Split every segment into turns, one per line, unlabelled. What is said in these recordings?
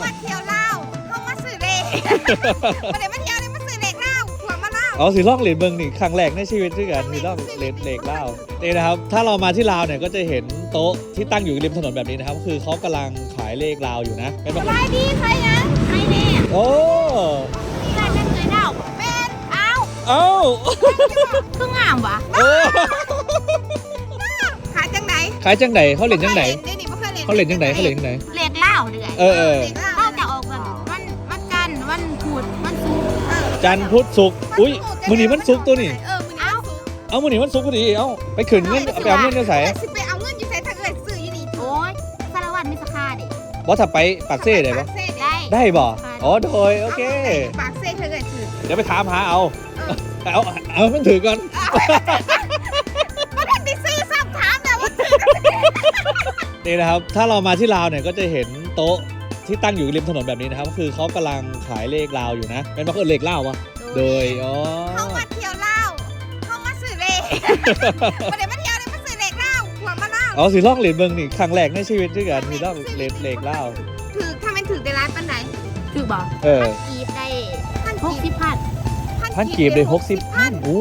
มาเที่ยวลาวเข้ามาซื้อเลขมาเดี๋ยวมาเที่ยวเลยมาซื้อเลขลาวหัวมาลาว
เอาสิล่องเหรียญเมืองนี่ครั้งแรกในชีวิตด้วยกันสิล่องเหรียญเหล็กเล่านี่นะครับถ้าเรามาที่ลาวเนี่ยก็จะเห็นโต๊ะที่ตั้งอยู่ริมถนนแบบนี้นะครับคือเขากำลังขายเลขลาวอยู่นะเป็นแบบ
ขายดีใครยังใครเนี่ย
โอ้
นี่ร้านจะเคยเล่าเป็นเอ้าเพิ่งงามวะ
โอ้
ขายจังไหน
ขายจังไหนเขาเหรียญจังไหน
เขาเหรียญจังไหน
เขาเหรียญจังไหน
เลขเล่าเดือย เข้าจะออกแบบวันจันทร์วันพุธวันศุกร์
จันทร์พุธศุกร์อุ้ยมื้อนี้วันศุกร์ตัวนี่
มื้อนี้วันศุกร์
เอามื้อนี้วันศุกร์พอดีเอาไปขึ้นเงินเอาไปเอาเงินจะใส่
สิไปเอาเงินอยู่ใส่ถ้าเกิดซื้ออยู่นี่โอ้ยสารวัตรมีสาขาดิ
ว่าถ้าไปปากเซ่ได้ปะ
ได้
ได้บ่อ๋อโดยโอเค
ปากเซ่ถ้าเกิดซื้อ
เดี๋ยวไปถามหาเอาเอามันถือก่อน
ไม่ได้ซื้อซ้ำถามนะว่า
นี่นะครับถ้าเรามาที่ลาวเนี่ยก็จะเห็นโต๊ะที่ตั้งอยู่ริมถนนแบบนี้นะครับคือเขากำลังขายเลขลาวอยู่นะเป็นว่าเขาเลขลาวปะโดยอ๋อ
เข้ามาเที่ยวลาวเข้ามาซื้อเลขมาเดี๋ยวมาเที่ยวเลยมาซื้อเลขลาวหัวมาลาว
เอาสิล่องเหรียญเมืองนี่ครั้งแรกในชีวิตด้วยกันสิล่องเหรียญลาว
ถือถ้ามันถือในร้านปันไหนถือบอก
กีบได้
พันกีบเลย60,000โอ้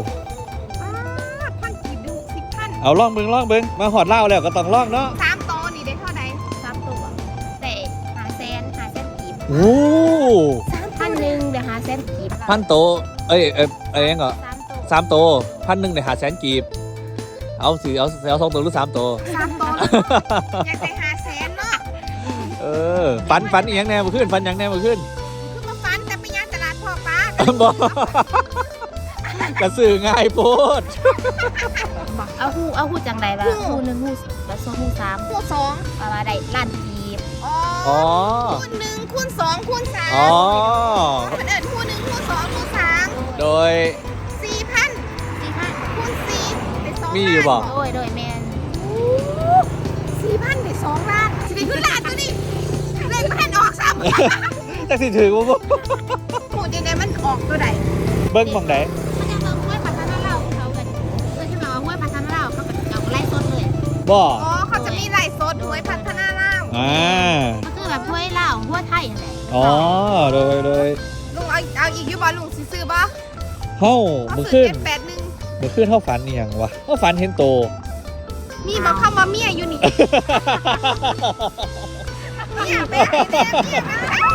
พันกีบได้60,000
เอาล่องเบิ้งมาหอดเล่าแล้วก็ต้องล่องเนาะ
3 โตวนี่ได้เท่าไหร่
3 ตัวแต่500,000กีบ
โอ้
1,000เดี๋ยว500,000กีบ
พันโตเองเหรอ
3 ตัว
3 โต1,000เนี่ย500,000กีบเอาสิเอา2 ตัวหรือ3 ตัว
3 โตวอยากได้500,000เนาะ
ฟันอีกอย่างแน่มาขึ้นฟันอย่างแน่มาขึ้น
คือมาฟันแต่ไปย่างตลาดพ่อป้า
บอกกระสือง่ายโพด
เอาหูจังใดล่ะหู1หูแล้วหู3
คูณ2
ประมาณได้ล้านกีบ
อ๋อคูณ1คูณ2คูณ3
อ๋อ
คนอื่นคูณ1คูณ2คูณ3
โดย
4,000คูณ4ได้2
มีอยู่บ่
โดยแมน
4,000ได้2 ล้านสิได้ขึ้นล้านตัวนี้เลขมันออกซ้ำ
จักสิถือว่า
พูดยังไงมันออกตัวใด
เบิ้งหมองไหน
มันจะมาห้วยพัฒนาเราเขากันที่มาห้วยพัฒนาเราเขาแบบเอาไล่สดเลย
บ่
อ๋อเขาจะมีไลฟ์สดหวยพัฒนาล่าว
มันคือแบบห้วยลาวห้วยไทยอะไร
อ๋อโดย
ลุงเอาอีกอยู่บ่ลุงซื้อบ่
เฮ้า
เขา
มือ
ซื้
ขึ้
อน 781
มือขึ้นเท่าฝันอีหยังวะเท่าฝันเห็นโต
มีบ่เข้ามาเมียอยู่นี่เมียเป็นไอ้เมีย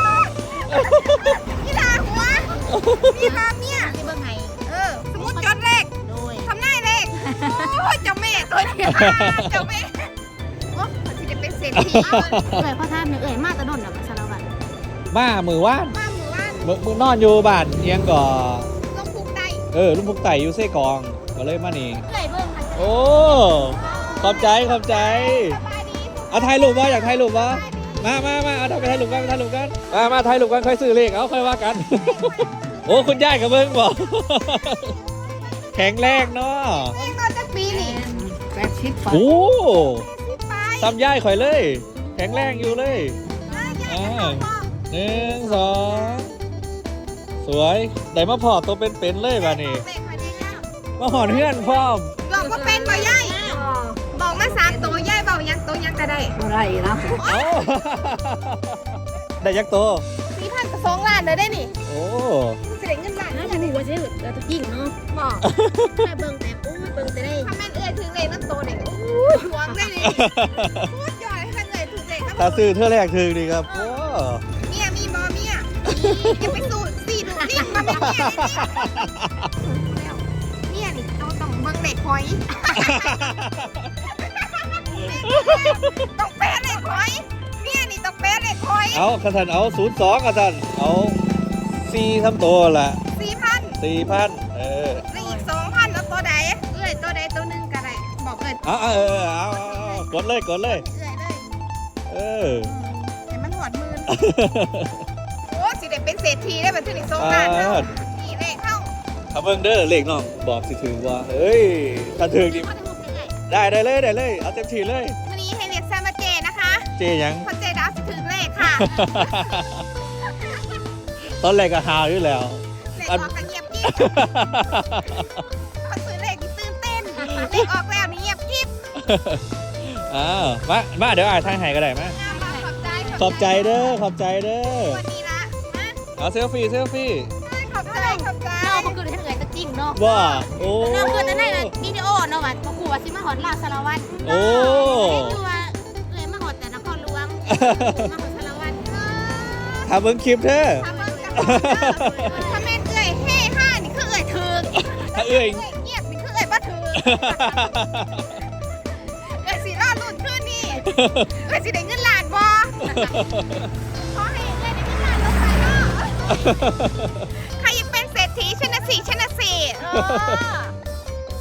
นี่ลาหัวนี่ลาเมีย
ที่เบื้องไง
สมมุติจดเลข
โดย
ทำนายเลขโอ้ยเจ้าแม่ตัวเดียวเจ้าแม่โอ้มันจะเป็นเศรษฐี
พ่อท่านเอ่ยมาตะดนแบบสารวัตร
มามือว่าน
มาหมู่บ้าน
มือนอนอยู่บ้านเอียงก่อ
ลงพุกได้
ลุงพุกไต่อยู่เซ่กองก็เลยมานี่
เอ่ยเบื้องค่ะ
โอ้ขอบใจ
สบายดี
เอาถ่ายรูปวะอยากถ่ายรูปวะมาเอาไปถ่ายรูปกันมาถ่ายรูปกันค่อยซื้อเลขเอาค่อยว่ากัน โอ้คุณย่ายกับเบิ้งบอกแข็งแรงเนาะ
เองตอนจะปีนี่
โอ้
ไป
ทำย่ายข่อยเลย แข็งแรงอยู่เลย
อ่า
1 2สวยได้มาพอตัวเป็นๆเลยบ้านี่
เลขมาดีแล้ว
มาหอนเพื่อนพร้อม
บอกว่าเป็นบ่ย่ายบอกมา3 ตัวย่ายบอกยังตัวยังก็ได้
เอ้า ได้ยักษ์ตัว
4,000กับ2 ล้านเลยได้นี่
โอ้
เสียเงินล้าน
น่าจะมีว่าจะเราจะยิ่งเนาะ
บอก
แค่เบื้องแต่เบื้องแต่ได้
ถ้าแม่นเอ้ยถึงเลขน้ำโตเด็กโอ้ยหวงได้นี่พูดย่อยให้แม่นเอ้ยถึงเลขน้ำโต
ตาซื้อเท่าแรกถึงดีครับโอ้
เมียมีบ่เมียอย่าไปสูดสีดูนี่มาเป็นเมียนี่ต้องเบิ่งเลขหอยต้องแปะเลขหอยเมียนี่ต้องแปะเลขหอย
เอากระสันเอา02กระสันเอา4ทำตัวละ
4,000
4,000
แล้วอีก 2,000แล้วตัวใดเอ้ยตัวใดตัวหนึงก็ได้บอกเอ้ย
เอากดเลย
เอ้ยเลย
เออ
ให้มันหอดมือโอ้สิได้เป็นเศรษฐีได้แบบถึงอีก2 ล้านเท่านี่เลขเข้า
เอาเบิ่งเด้อเลขน้องบอกสิถึงว่าเฮ้ยถ้าถึงนี่
เขาจะพูดยังไง
ได้เลยเอาเต็มที่เลย
วันนี้ให้เรียกแซมมาเจนะคะ
เจยัง
เพราะเจดาวสิถึงเลขค่ะ
ตอนแรกก็หาอยู่แล้ว
เลขออกก็เงียบกิ๊บพอซื้อเลขนี่ตื่นเต้นเลขออกแล้วนี่เงียบกิ๊บ
มาเดี๋ยวอ่านทางไหนก็ได้มา
ขอบใจ
ขอบใจเด้อขอบใจเด้อ
วันนี้ละนะ
เอาเซลฟี่เซลฟี่
ขอบใจขอบใจ
น้องมันคือให้เอ่ยตะกิ้งเนาะ
ว่าโอ้
น้องคือจะได้วิดีโอเนาะว่าบ่กูว่าสิมาหอดลาวสารวัตร
โอ้
คือว่าเอ่ยมาหอดแต่นครหลวงมาหอดสารวัตร
ทำเบิ้งคลิปเด้อ
ถ้าเบิ่งกับถ้าแม่นเอ้ยเฮ่ห้านี่คือเอ้ยถึก
ถ้าเอ้ย
เงียบนี่คือเอ้ยบ่ถึกเอ้ยสิรอดรุ่นคืนนี่เอ้ยสิได้เงินล้านบ่ขอให้เอ้ยได้เงินล้านลงไปเนาะใครยังเป็นเศรษฐีชนะสี่ชนะสี่